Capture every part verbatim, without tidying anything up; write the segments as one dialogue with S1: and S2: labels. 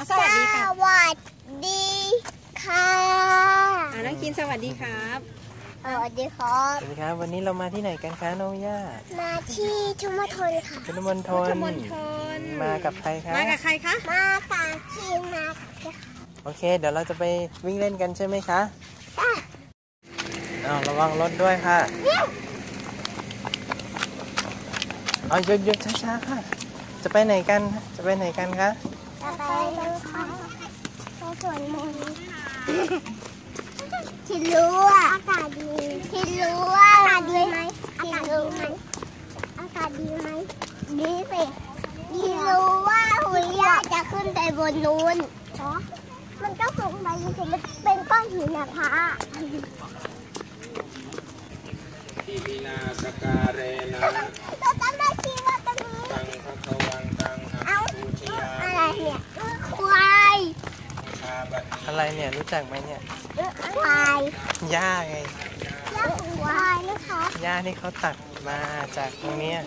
S1: สวัสดีค่ะสวัสดีค่ะ
S2: น้องคินสวัสดีครับ
S1: สวัสดีครับ
S3: สวัสดีครับวันนี้เรามาที่ไหนกันคะน้องย่า
S1: มาที่ชุมชนค่ะ
S3: ชุมชนมากับใครคะ
S2: มากับใครคะ
S1: มากับคินมา
S3: โอเคเดี๋ยวเราจะไปวิ่งเล่นกันใช่ไหมคะอ้าวระวังรถด้วยค่ะเอาหยุดหยุดช้าๆค่ะจะไปไหนกันจะไปไหนกันคะ
S1: จะไปไปสวนมนต์คิดรู้ว่าอากาศดีคิดรู้ว่าอากาศดีไหมอากาศดีไหมอากาศดีไหมดีสิคิดรู้ว่าหุยยาจะขึ้นไปบนนู้นเหรอมันก็สูงไปสิมันเป็นก้อนหินนะพระ
S4: ที่มีนาสการเรนะ
S1: เราจำได้ที่ว่าตรงนี้
S4: ตังพระควังตัง
S1: เอาอะไรเนี่ยควาย
S3: อะไรเนี่ยรู้จักไหมเนี่ย
S1: ควาย
S3: หญ้าไง
S1: หญ้าควายนะคะ
S3: หญ้าที่เขาตัดมาจากตรงนี้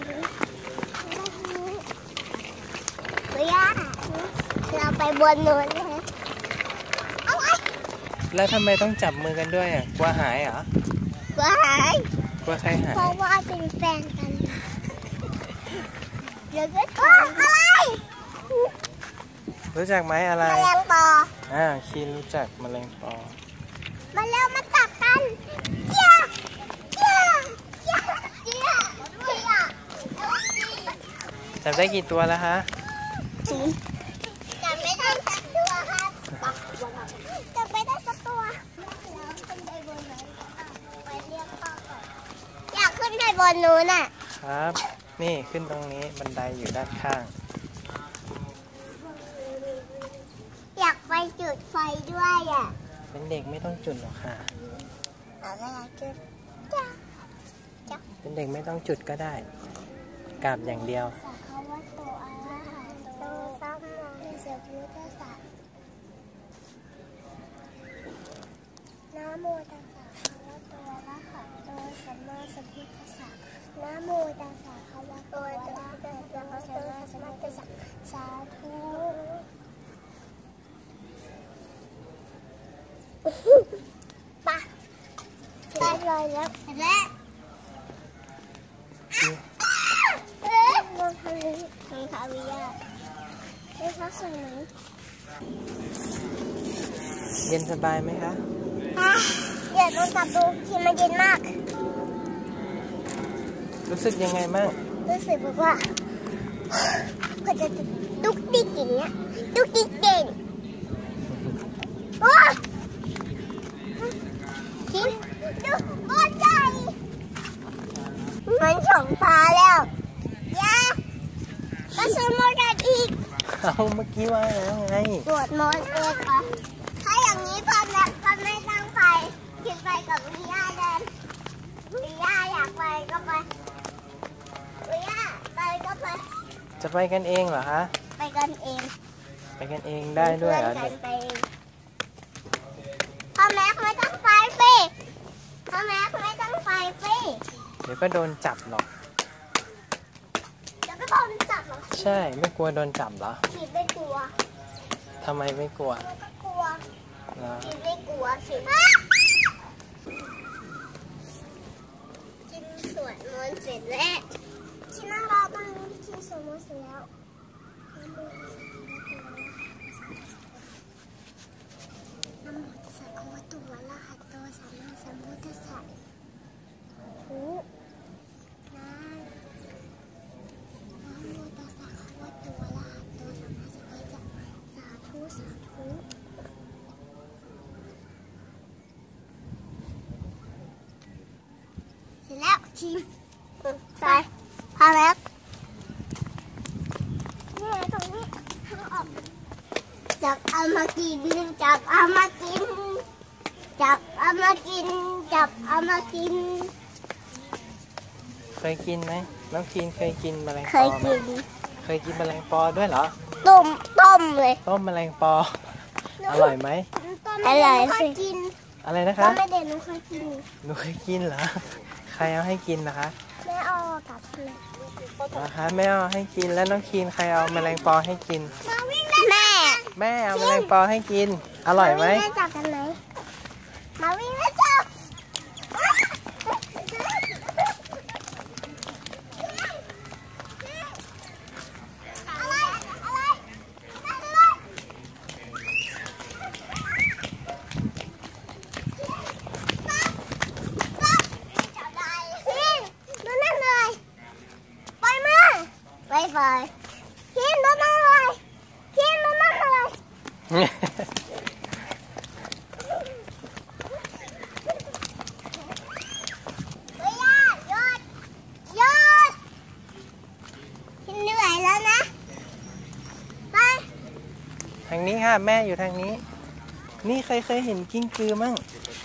S1: หญ้าเราไปบนนู้นเลย
S3: แล้วทำไมต้องจับมือกันด้วยอ่ะกลัวหายเหร
S1: อกลัวหาย
S3: กลัวใครหาย
S1: เพราะว่าเป็นแฟนกันเดี๋ยวก็ถามอะไร
S3: รู้จักไหมอะไร
S1: แมลงปอ
S3: อ่าคีนรู้จักแมลงปอ
S1: มาเร็วมาจับกันเจี๊ยเจี๊ยเจี๊ยเจี๊ยเจี๊ย
S3: จับได้กี่ตัวแล้วคะ
S1: จับไม่ได้สักตัวครับจับไม่ได้สักตัวอยากขึ้นไปบนนู้นอ่ะ
S3: ครับนี่ขึ้นตรงนี้บันไดอยู่ด้านข้าง
S1: อยากไปจุดไฟด้วยอ่ะ
S3: เป็นเด็กไม่ต้องจุดหรอกค่ะ
S1: อะไรจุดจ้าจ้า
S3: เป็นเด็กไม่ต้องจุดก็ได้กราบอย่างเดียว
S1: เขาว่าตัวอะไรตัวซ้ำมองเสียพุทธศาสตร์นะโมตัสสะเขาว่าตัวละหัตโตสัมมาสัมพุทธัสสะนะโมตัสสะเขาว่าตัวละหัตโตสัมมาสัมพุทธัสสะสาธุปะได้เลยแล้วและเอ๊ะลองทำนี้ทำคาวิยาได้พักสวยไหม
S3: เย็นสบายไหมคะ
S1: เดี๋ยวลองจับดูที่มันเย็นมาก
S3: รู้สึกยังไงบ้าง
S1: รู้สึกแบบว่าก็จะดุกดิกอย่างเงี้ยดุกดิกเก่งว้าคิดดูก้อนใหญ่มันฉงตาแล้วยาก็สมมติกันอีก
S3: เอาเมื่อกี้ว่าแล้วไง
S1: ตรวจมดเองค่ะถ้าอย่างนี้พอแม่พอไม่ตั้งไฟคิดไปกับวิยาเดินวิยาอยากไปก็ไปวิยาไปก็ไป
S3: จะไปกันเองเหรอคะ
S1: ไปกันเอง
S3: ไปกันเองได้ด้วยเหรอเด็ก
S1: พ่อแม่ไม่ต้องไฟปีพ่อแม่ไม่ต้องไฟปี
S3: เดี๋ยวก็โดนจับหรอก
S1: เดี๋ยวก็โดนจับหรอ
S3: ใช่ไม่กลัวโดนจับเหรอ
S1: ฉีดไม่กลัว
S3: ทำไมไม่กลัว
S1: ไม่กลัวฉีดไม่กลัวฉีดกินสวดมนต์เสร็จแล้วชินั่งรอตรงนี้กินสวดมนต์เสร็จแล้วนะโมตัสสะภะคะวะโตอะระหะโตสัมมาสัมพุทธัสสะหูนะนะโมตัสสะภะคะวะโตอะระหะโตสัมมาสัมพุทธัสสะสาธุสาธุเสร็จแล้วชิมไปพาแล้วนี่ตรงนี้ทางออกจับเอามากินจับเอามากินจับเอามากินจับเอามากิน
S3: เคยกินไหมน้องกินเคยกินแมลงปอ
S1: เคยกิน
S3: เคยกินแมลงปอด้วยเหรอ
S1: ต้มต้มเลย
S3: ต้มแมลงปออร่อยไหม
S1: อร่อยสิกิน
S3: อะไรนะคะ
S1: ไม่เด็ดหนูเคยกิน
S3: หนูเคยกินเหรอใครเอาให้กินนะคะ
S1: แม่เอากับเลย
S3: นะคะแม่เอาให้กินแล้วน้องคีนใครเอาแมลงปอให้กิน
S1: แม่
S3: แม่เอาแมลงปอให้กินอร่อยไหม
S1: มาวิ่งเล่นจับกันไหมมาวิ่งเล่นจับอะไรอะไรอะไรพินดูนั่นเลยปล่อยมือไปไปพินดูนั่นเลยพินดูนั่นเลย เฮ้ยหยุดหยุดฉันเหนื่อยแล้วนะไป
S3: ทางนี้ค่ะแม่อยู่ทางนี้นี่ใครเคยเห็นกิ้งกือมั่ง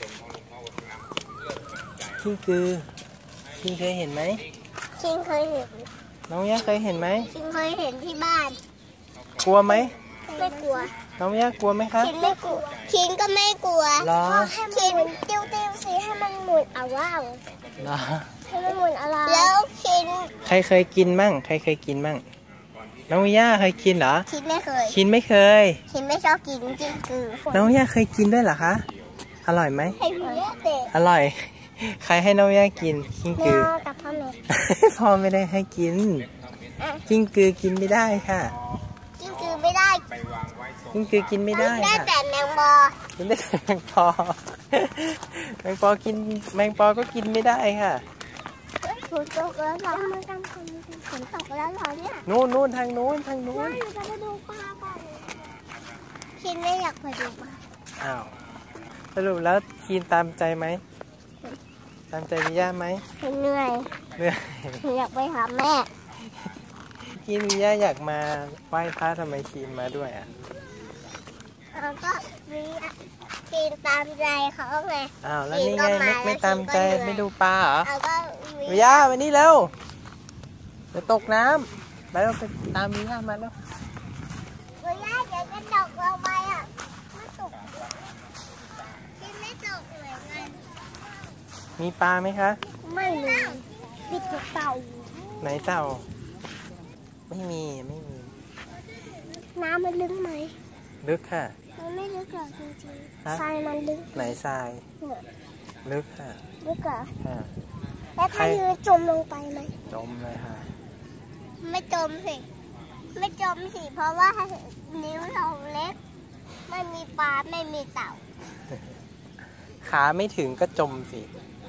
S3: กิ้งกือคิงเคยเห็นไหม
S1: คิงเคยเห็น
S3: น้องย่าเคยเห็นไหม
S1: คิงเคยเห็นที่บ้าน
S3: กลัวไหม
S1: ไม่กลัว
S3: น้องย่ากลัวไหมคะ
S1: คิงไม่กลัวคิงก็ไม่กลัว
S3: เหรอ
S1: คิงติ้วติ้วสิให้มันหมุนเอาว่าว
S3: เหรอ
S1: ให้มันหมุนอะไรแล้วคิง
S3: ใครเคยกินมั่งใครเคยกินมั่งน้องย่าเคยกินเหรอ
S1: คิงไม่เคย
S3: คินไม่เคย
S1: คิงไม่ชอบกินจริงคือ
S3: น้องย่าเคยกินด้วยเหรอคะอร่อยไหม
S1: ให้เพื่อนเด็ก
S3: อร่อย ใครให้น้องย่ากินกิ้ง
S1: แม
S3: กือ
S1: วกับพ่อแม่
S3: พ่อไม่ได้ให้กินกิ้งกือกินไม่ได้ค่ะ
S1: กินคือไม่ได้
S3: กิ้งกือกินไม่ได้
S1: ได้
S3: ค่ะ
S1: แต่แมงบอ
S3: กินได้แต่แมงปอแมงปอกินแมงปอก็กินไม่ได้ค่ะ
S1: ฝนตกแล้วเหรอมันกำลังฝนตกแล้วเหรอเนี่ย
S3: นู่นนู่นทางนู้นทางนู้น
S1: หนูจะไปดูปลาก่อนคิดไม่อยากไปดูปลา
S3: อ้าวสรุปแล้วคีนตามใจไหมตามใจวิย่าไหม
S1: เหนื่อย
S3: เหนื่อย
S1: หนูอยากไปหาแม่
S3: คีนวิย่าอยากมาไหว้พระทำไมคีนมาด้วยอ่ะ
S1: แล้วก็มีกินตามใจเขาไง
S3: อ้าวแล้วนี่ไงไม่ไม่ตามใจไม่ดูปลาเหรอ
S1: แล้วก็มี
S3: วิย่ามานี่เร็วเดี๋ยวตกน้ำไปเราไปตามวิย่ามาแล้ว
S1: วิย่าเดี๋ยวจะตกลงไปอ่ะไม่ตกกินไม่ตกเหมือนกัน
S3: มีปลาไหมคะ
S1: ไม่มีปิดเต่า
S3: ไหนเต่าไม่มีไม่มี
S1: น้ำมันลึกไหม
S3: ลึกค่ะ
S1: มันไม่ลึกหรอกจริง
S3: ฮะ
S1: ๆทรายมันลึก
S3: ไหนทราย
S1: เนี่ย
S3: ลึกค่ะ
S1: ลึกเหรอ
S3: ค่ะ
S1: แล้วถ้า
S3: ใคร
S1: ยืนจมลงไปไหม
S3: จมเลยค่ะ
S1: ไม่จมสิ ไม่จมสิ เพราะว่านิ้วเราเล็ก ไม่มีปลา ไม่มีเต่า
S3: ขาไม่ถึงก็จมสิ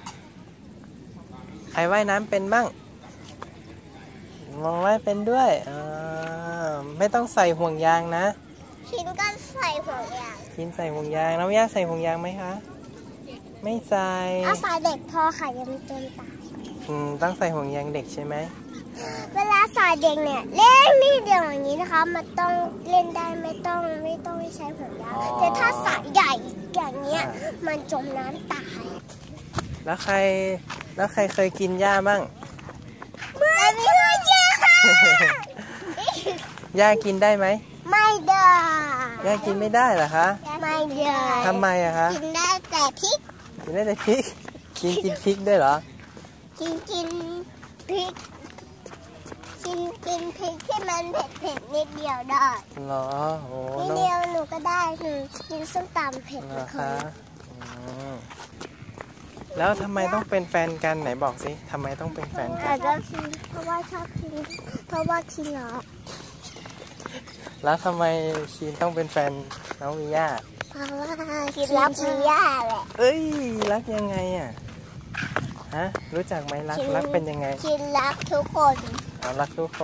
S3: ใครว่ายน้ำเป็นบ้างมองว่ายเป็นด้วยอ่าไม่ต้องใส่ห่วงยางนะ
S1: ชิ้นก็ใส่ห่วงยาง
S3: กินใส่ห่วงยางน้องย่าใส่ห่วงยางไหมคะ ไม่ใส่
S1: เอาสายเด็กพอค่ะยังไม่จมตาย
S3: อืมต้องใส่ห่วงยางเด็กใช่ไหม
S1: เวลาสายเด็กเนี่ยเล่นนี่เดียวอย่างนี้นะคะ มันต้องเล่นได้ไม่ต้องไม่ต้องใช้ห่วงยาง แต่ถ้าสายใหญ่อย่างเงี้ย มันจมน้ำตาย
S3: แล้วใครแล้วใครเคยกินหญ้าบ้าง
S1: ไม่มีเพื่อนเชื่อค่ะ
S3: หญ้ากินได้ไหม
S1: ไม่ได้
S3: หญ้ากินไม่ได้เหรอคะ
S1: ไม่ได้
S3: ทำไมอะคะ
S1: กินได้แต่พริก
S3: กินได้แต่พริก กินกินพริกด้วยเหรอ
S1: กินกินพริกกินกินพริกที่มันเผ็ดเผ็ดๆนิดเดียวได้
S3: เหรอโอ้
S1: นิด
S3: น้อง
S1: เดียวหนูก็ได้หนูกินส้มตำเผ็ด
S3: เหร
S1: ทุ
S3: อก
S1: ค
S3: คะ
S1: น
S3: อืมแล้วทำไมต้องเป็นแฟนกันไหนบอกสิทำไมต้องเป็นแฟนกัน
S1: แต่ก็กินเพราะว่าชอบกินเพราะว่ากินเหรอ
S3: แล้วทำไมคีนต้องเป็นแฟนน้องวิย่า
S1: เพราะว่ากินรักมีย่าแหละ
S3: เอ้ยรักยังไงอ่ะฮะรู้จักไหมรัก
S1: กิน
S3: รักเป็นยังไง
S1: กินรักทุกคน
S3: อ๋อรักทุกคน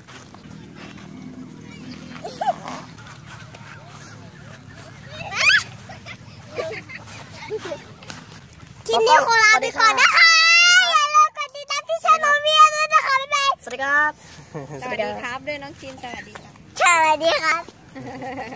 S1: ทีนี้ขอลาไปก่อนนะคะอย่าลืมกดติดตามที่ช่องเมียด้วยนะคะบ๊ายบาย
S2: สวัสดีครับ สวัสดีครับด้วยน้องคินสวัสดีครับ
S1: สวัสดีครับ